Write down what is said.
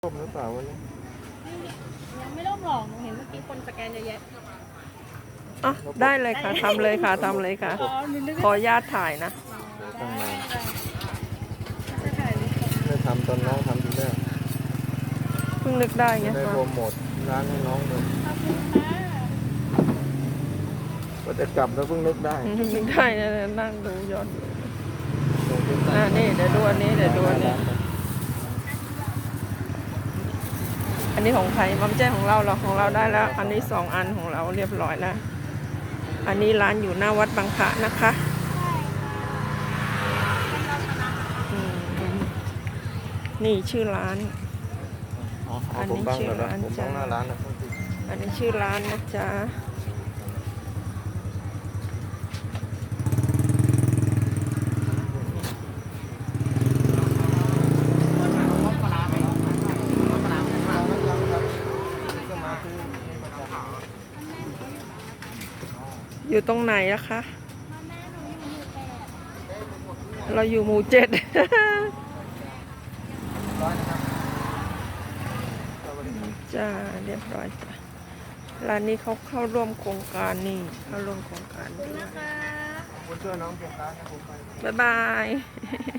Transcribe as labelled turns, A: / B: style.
A: ร่มหรือเปล่าวันนี้
B: ยังไม่ร่มหรอกหนูเห็นเมื่อกี้คนสแกนเยอะแยะ
C: อ่ะได้เลยค่ะทำเลยค่ะทำเลยค่ะ
B: หนูนึก
C: ขออนุญาตถ่ายนะ
A: ตั้งนาน
B: จะถ่ายรูป
A: ได้ทำตอนน้องทำทีแรก
C: เพิ่งนึกได้ไง
A: ได้โปรโมทร้านให้น้องเลย
B: ขอบคุณค่ะ
A: ก็จะกลับแล้วเพิ่งนึกได้
C: นึกได้นะนั่งดูย้อนดู
A: ลงที่ใต้
C: นี่เดี๋ยวดูอันนี้เดี๋ยวดูอันนี้อันนี้ของใครมัมแจ้ของเราเหรอของเราได้แล้ว อันนี้2 อันของเราเรียบร้อยแล้ว อันนี้ร้านอยู่หน้าวัดบางพระนะคะอืมนี่ชื่อร้าน
A: อ๋อผมบ้างเหรอผมบ้างหน้าร้านนะ
C: อันนี้ชื่อร้านนะจ๊ะอยู่ตรงไหนอะคะเราอยู่หมู่7 จ้าเรียบร้อยจ้ะร้านนี้เขาเข้าร่วมโครงการนี่เข้าร่วมโครงการด้วย
B: นะคะ
A: คุณช่วยน้องเพียงร้านนะผมไป
C: บ๊ายบาย